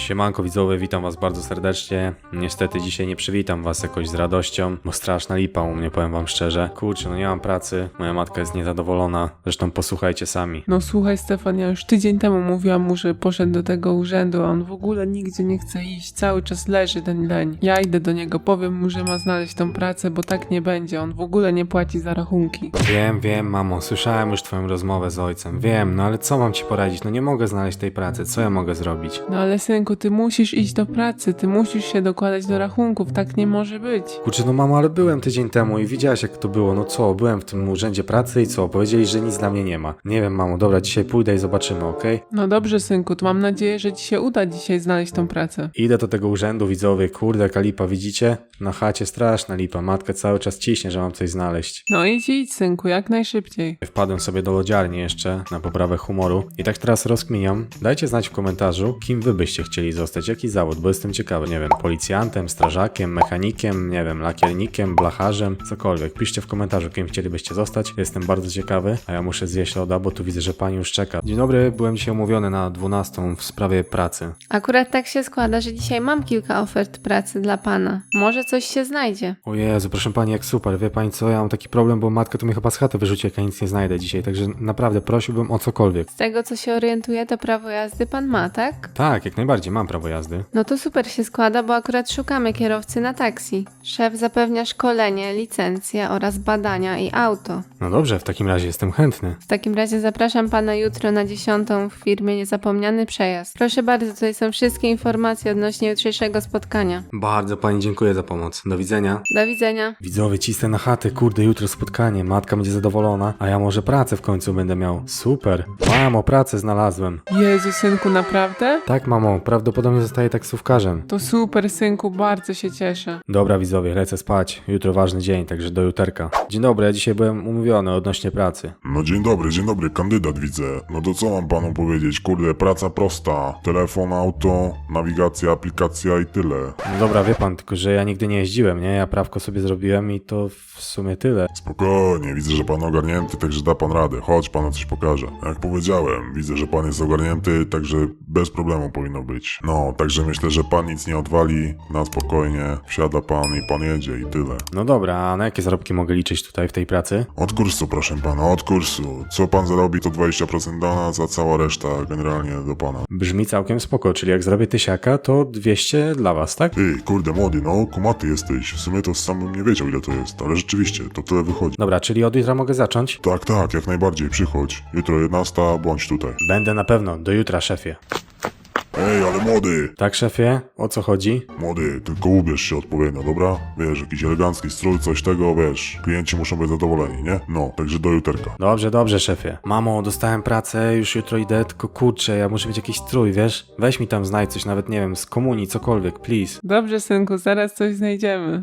Siemanko widzowie, witam was bardzo serdecznie. Niestety dzisiaj nie przywitam was jakoś z radością, bo straszna lipa u mnie, powiem wam szczerze. Kurczę, no nie mam pracy, moja matka jest niezadowolona, zresztą posłuchajcie sami. No słuchaj Stefan, ja już tydzień temu mówiłam mu, że poszedł do tego urzędu, a on w ogóle nigdzie nie chce iść, cały czas leży ten leń. Ja idę do niego, powiem mu, że ma znaleźć tą pracę, bo tak nie będzie, on w ogóle nie płaci za rachunki. Wiem, mamo, słyszałem już twoją rozmowę z ojcem, wiem, no ale co mam ci poradzić, no nie mogę znaleźć tej pracy, co ja mogę zrobić? No ale synku, ty musisz iść do pracy, ty musisz się dokładać do rachunków, tak nie może być. Kurczę, no mamo, ale byłem tydzień temu i widziałaś jak to było, no co, byłem w tym urzędzie pracy i co, powiedzieli, że nic dla mnie nie ma. Nie wiem, mamo, dobra, dzisiaj pójdę i zobaczymy, okej? No dobrze synku, to mam nadzieję, że ci się uda dzisiaj znaleźć tą pracę. Idę do tego urzędu, widzowie, kurde, jaka lipa, widzicie? Na chacie straszna lipa, matka cały czas ciśnie, że mam coś znaleźć. No idź synku, jak najszybciej. Wpadłem sobie do lodziarni jeszcze, na poprawę humoru i tak teraz rozkminiam. Dajcie znać w komentarzu, kim wy byście chcieli zostać, jaki zawód, bo jestem ciekawy, nie wiem, policjantem, strażakiem, mechanikiem, nie wiem, lakiernikiem, blacharzem, cokolwiek. Piszcie w komentarzu, kim chcielibyście zostać, jestem bardzo ciekawy, a ja muszę zjeść loda, bo tu widzę, że pani już czeka. Dzień dobry, byłem dzisiaj umówiony na 12 w sprawie pracy. Akurat tak się składa, że dzisiaj mam kilka ofert pracy dla pana. Może coś się znajdzie. O Jezu, proszę pani, jak super, wie pani co, ja mam taki problem, bo matka tu mnie chyba z chaty wyrzuci, jak ja nic nie znajdę dzisiaj, także naprawdę prosiłbym o cokolwiek. Z tego co się orientuję, to prawo jazdy pan ma, tak? Tak, jak najbardziej, mam prawo jazdy. No to super się składa, bo akurat szukamy kierowcy na taksi. Szef zapewnia szkolenie, licencję oraz badania i auto. No dobrze, w takim razie jestem chętny. W takim razie zapraszam pana jutro na 10 w firmie Niezapomniany Przejazd. Proszę bardzo, tutaj są wszystkie informacje odnośnie jutrzejszego spotkania. Bardzo pani dziękuję za pomoc. Do widzenia. Do widzenia. Widzowie, cisnę na chatę, kurde, jutro spotkanie, matka będzie zadowolona, a ja może pracę w końcu będę miał. Super. Mamo, pracę znalazłem. Jezu synku, naprawdę? Tak, mamo, prawdopodobnie zostaję taksówkarzem. To super synku, bardzo się cieszę. Dobra, widzowie, lecę spać. Jutro ważny dzień, także do juterka. Dzień dobry, ja dzisiaj byłem umówiony odnośnie pracy. No dzień dobry, kandydat widzę. No to co mam panu powiedzieć? Kurde, praca prosta. Telefon, auto, nawigacja, aplikacja i tyle. No dobra, wie pan, tylko że ja nigdy nie jeździłem, nie? Ja prawko sobie zrobiłem i to w sumie tyle. Spokojnie, widzę, że pan ogarnięty, także da pan radę. Chodź, panu coś pokażę. Jak powiedziałem, widzę, że pan jest ogarnięty, także bez problemu powinno być. No, także myślę, że pan nic nie odwali, na spokojnie. Wsiada pan i pan jedzie i tyle. No dobra, a na jakie zarobki mogę liczyć tutaj w tej pracy? Od kursu, proszę pana, od kursu. Co pan zarobi, to 20% dla nas, a cała reszta generalnie do pana. Brzmi całkiem spoko, czyli jak zrobię tysiaka, to 200 dla was, tak? Ty, kurde młody, no kumaty jesteś. W sumie to sam bym nie wiedział ile to jest, ale rzeczywiście, to tyle wychodzi. Dobra, czyli od jutra mogę zacząć? Tak, jak najbardziej, przychodź. Jutro 11, bądź tutaj. Będę na pewno, do jutra, szefie. Ej, ale młody! Tak, szefie? O co chodzi? Młody, tylko ubierz się odpowiednio, dobra? Wiesz, jakiś elegancki strój, coś tego, wiesz. Klienci muszą być zadowoleni, nie? No, także do juterka. Dobrze, szefie. Mamo, dostałem pracę, już jutro idę, tylko kurczę, ja muszę mieć jakiś strój, wiesz? Weź mi tam znajdź coś, nawet nie wiem, z komunii, cokolwiek, please. Dobrze synku, zaraz coś znajdziemy.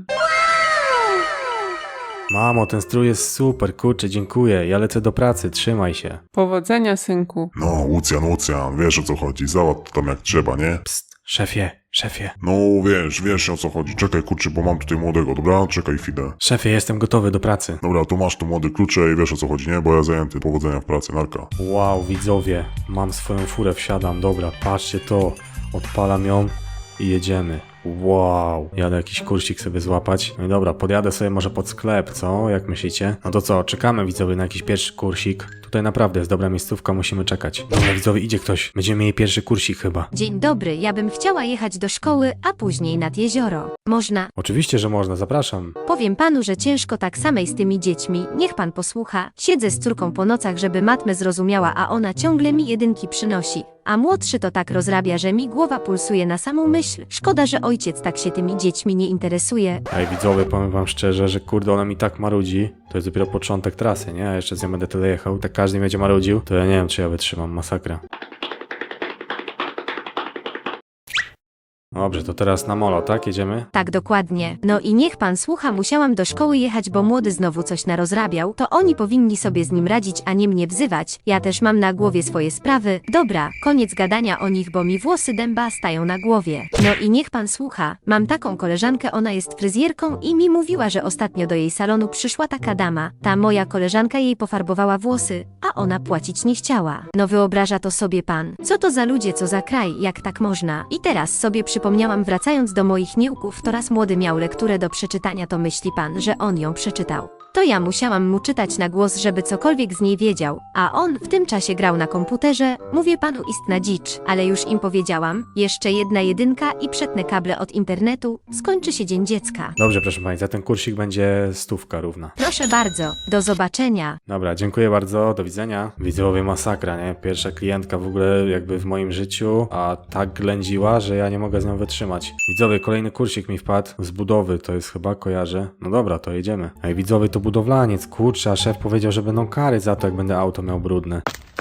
Mamo, ten strój jest super, kurczę, dziękuję, ja lecę do pracy, trzymaj się. Powodzenia synku. No, Łucjan, wiesz o co chodzi, załatw to tam jak trzeba, nie? Psst, szefie. No, wiesz o co chodzi. Czekaj, kurczę, bo mam tutaj młodego, dobra? Czekaj chwilę. Szefie, jestem gotowy do pracy. Dobra, to masz tu młody klucze i wiesz o co chodzi, nie? Bo ja zajęty, powodzenia w pracy, narka. Wow, widzowie, mam swoją furę, wsiadam, dobra, patrzcie to, odpalam ją i jedziemy. Wow, jadę jakiś kursik sobie złapać. No i dobra, podjadę sobie może pod sklep, co? Jak myślicie? No to co, czekamy widzowie na jakiś pierwszy kursik. Tutaj naprawdę jest dobra miejscówka, musimy czekać. Dobra widzowie, idzie ktoś. Będziemy mieli pierwszy kursik chyba. Dzień dobry, ja bym chciała jechać do szkoły, a później nad jezioro. Można? Oczywiście, że można, zapraszam. Powiem panu, że ciężko tak samej z tymi dziećmi. Niech pan posłucha. Siedzę z córką po nocach, żeby matmę zrozumiała, a ona ciągle mi jedynki przynosi. A młodszy to tak rozrabia, że mi głowa pulsuje na samą myśl. Szkoda, że ojciec tak się tymi dziećmi nie interesuje. Ej widzowie, powiem wam szczerze, że kurde ona mi tak marudzi. To jest dopiero początek trasy, nie? A jeszcze z nią będę tyle jechał. Tak każdy mi będzie marudził. To ja nie wiem, czy ja wytrzymam, masakra. Dobrze, to teraz na molo, tak? Jedziemy? Tak, dokładnie. No i niech pan słucha, musiałam do szkoły jechać, bo młody znowu coś narozrabiał. To oni powinni sobie z nim radzić, a nie mnie wzywać. Ja też mam na głowie swoje sprawy. Dobra, koniec gadania o nich, bo mi włosy dęba stają na głowie. No i niech pan słucha. Mam taką koleżankę, ona jest fryzjerką i mi mówiła, że ostatnio do jej salonu przyszła taka dama. Ta moja koleżanka jej pofarbowała włosy, a ona płacić nie chciała. No wyobraża to sobie pan. Co to za ludzie, co za kraj, jak tak można? I teraz sobie przypomniałam, wracając do moich niełków, to raz młody miał lekturę do przeczytania, to myśli pan, że on ją przeczytał. To ja musiałam mu czytać na głos, żeby cokolwiek z niej wiedział, a on w tym czasie grał na komputerze. Mówię panu, istna dzicz, ale już im powiedziałam, jeszcze jedna jedynka i przetnę kable od internetu, skończy się dzień dziecka. Dobrze, proszę pani, za ten kursik będzie 100 równa. Proszę bardzo, do zobaczenia. Dobra, dziękuję bardzo, do widzenia. Widzowie, masakra, nie? Pierwsza klientka w ogóle jakby w moim życiu, a tak ględziła, że ja nie mogę z nią wytrzymać. Widzowie, kolejny kursik mi wpadł z budowy, to jest chyba, kojarzę. No dobra, to jedziemy. Ej, widzowie, to budowlaniec, kurczę, a szef powiedział, że będą kary za to, jak będę auto miał brudne.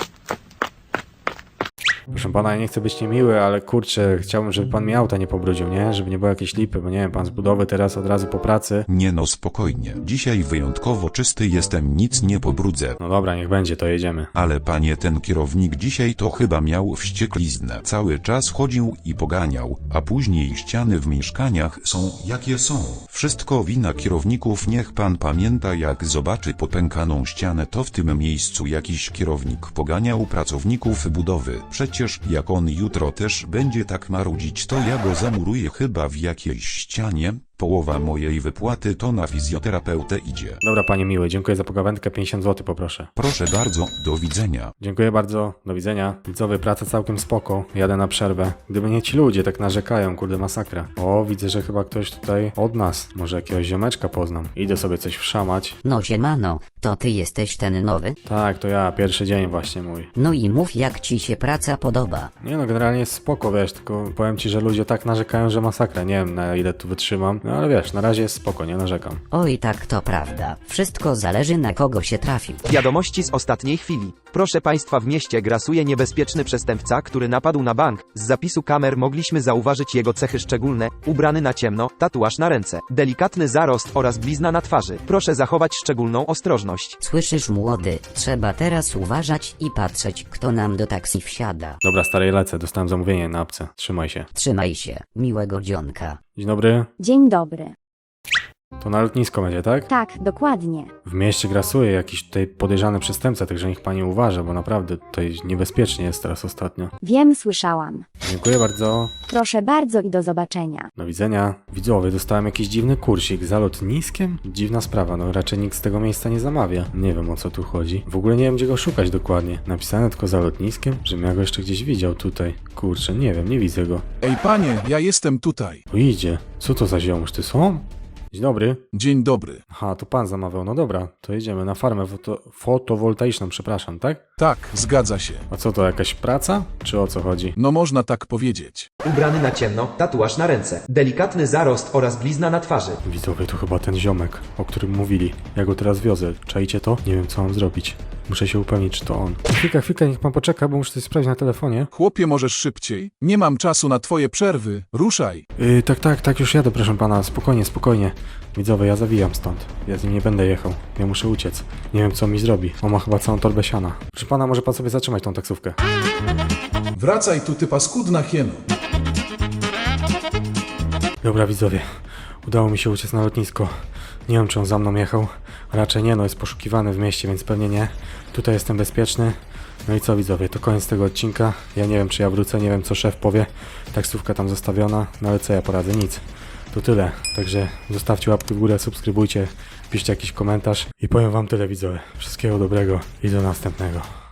Proszę pana, ja nie chcę być niemiły, ale kurczę, chciałbym, żeby pan mi auta nie pobrudził, nie? Żeby nie było jakiejś lipy, bo nie wiem, pan z budowy teraz od razu po pracy. Nie no, spokojnie. Dzisiaj wyjątkowo czysty jestem, nic nie pobrudzę. No dobra, niech będzie, to jedziemy. Ale panie, ten kierownik dzisiaj to chyba miał wściekliznę. Cały czas chodził i poganiał, a później ściany w mieszkaniach są jakie są. Wszystko wina kierowników, niech pan pamięta, jak zobaczy popękaną ścianę, to w tym miejscu jakiś kierownik poganiał pracowników budowy. Przecież jak on jutro też będzie tak marudzić, to ja go zamuruję chyba w jakiejś ścianie. Połowa mojej wypłaty to na fizjoterapeutę idzie. Dobra, panie miły, dziękuję za pogawędkę, 50 zł poproszę. Proszę bardzo, do widzenia. Dziękuję bardzo, do widzenia. Widzowie, praca całkiem spoko, jadę na przerwę. Gdyby nie ci ludzie tak narzekają, kurde masakra. O, widzę, że chyba ktoś tutaj od nas, może jakiegoś ziomeczka poznam. Idę sobie coś wszamać. No siemano, to ty jesteś ten nowy? Tak, to ja, pierwszy dzień właśnie mój. No i mów, jak ci się praca podoba. Nie no, generalnie jest spoko, wiesz, tylko powiem ci, że ludzie tak narzekają, że masakra. Nie wiem, na ile tu wytrzymam, no ale wiesz, na razie jest spoko, nie narzekam. Oj, tak to prawda. Wszystko zależy, na kogo się trafi. Wiadomości z ostatniej chwili. Proszę Państwa, w mieście grasuje niebezpieczny przestępca, który napadł na bank. Z zapisu kamer mogliśmy zauważyć jego cechy szczególne: ubrany na ciemno, tatuaż na ręce, delikatny zarost oraz blizna na twarzy. Proszę zachować szczególną ostrożność. Słyszysz, młody? Trzeba teraz uważać i patrzeć, kto nam do taksi wsiada. Dobra, stary, lecę, dostałem zamówienie na apce. Trzymaj się. Trzymaj się, miłego dzionka. Dzień dobry. Dzień dobry. To na lotnisko będzie, tak? Tak, dokładnie. W mieście grasuje jakiś tutaj podejrzany przestępca, także niech pani uważa, bo naprawdę tutaj niebezpiecznie jest teraz ostatnio. Wiem, słyszałam. Dziękuję bardzo. Proszę bardzo i do zobaczenia. Do widzenia. Widzowie, dostałem jakiś dziwny kursik za lotniskiem? Dziwna sprawa, no raczej nikt z tego miejsca nie zamawia. Nie wiem, o co tu chodzi. W ogóle nie wiem, gdzie go szukać dokładnie. Napisane tylko za lotniskiem? Żebym ja go jeszcze gdzieś widział tutaj. Kurczę, nie wiem, nie widzę go. Ej panie, ja jestem tutaj. Tu idzie. Co to za ziomuś, ty są? Dzień dobry. Dzień dobry. Aha, to pan zamawiał. No dobra, to jedziemy na farmę fotowoltaiczną, przepraszam, tak? Tak, zgadza się. A co to, jakaś praca? Czy o co chodzi? No można tak powiedzieć. Ubrany na ciemno, tatuaż na ręce, delikatny zarost oraz blizna na twarzy. Widzowie, to chyba ten ziomek, o którym mówili. Ja go teraz wiozę. Czajcie to? Nie wiem, co mam zrobić. Muszę się upewnić, czy to on. Chwilkę, niech pan poczeka, bo muszę coś sprawdzić na telefonie. Chłopie, możesz szybciej? Nie mam czasu na twoje przerwy. Ruszaj. Tak, już jadę, proszę pana. Spokojnie. Widzowie, ja zawijam stąd. Ja z nim nie będę jechał. Ja muszę uciec. Nie wiem, co mi zrobi. On ma chyba całą torbę siana. Proszę pana, może pan sobie zatrzymać tą taksówkę. Wracaj tu, ty paskudna hieno. Dobra, widzowie. Udało mi się uciec na lotnisko. Nie wiem, czy on za mną jechał. Raczej nie, no jest poszukiwany w mieście, więc pewnie nie. Tutaj jestem bezpieczny. No i co, widzowie, to koniec tego odcinka. Ja nie wiem, czy ja wrócę, nie wiem, co szef powie. Taksówka tam zostawiona, no ale co ja poradzę? Nic. To tyle. Także zostawcie łapkę w górę, subskrybujcie, piszcie jakiś komentarz i powiem wam tyle, widzowie. Wszystkiego dobrego i do następnego.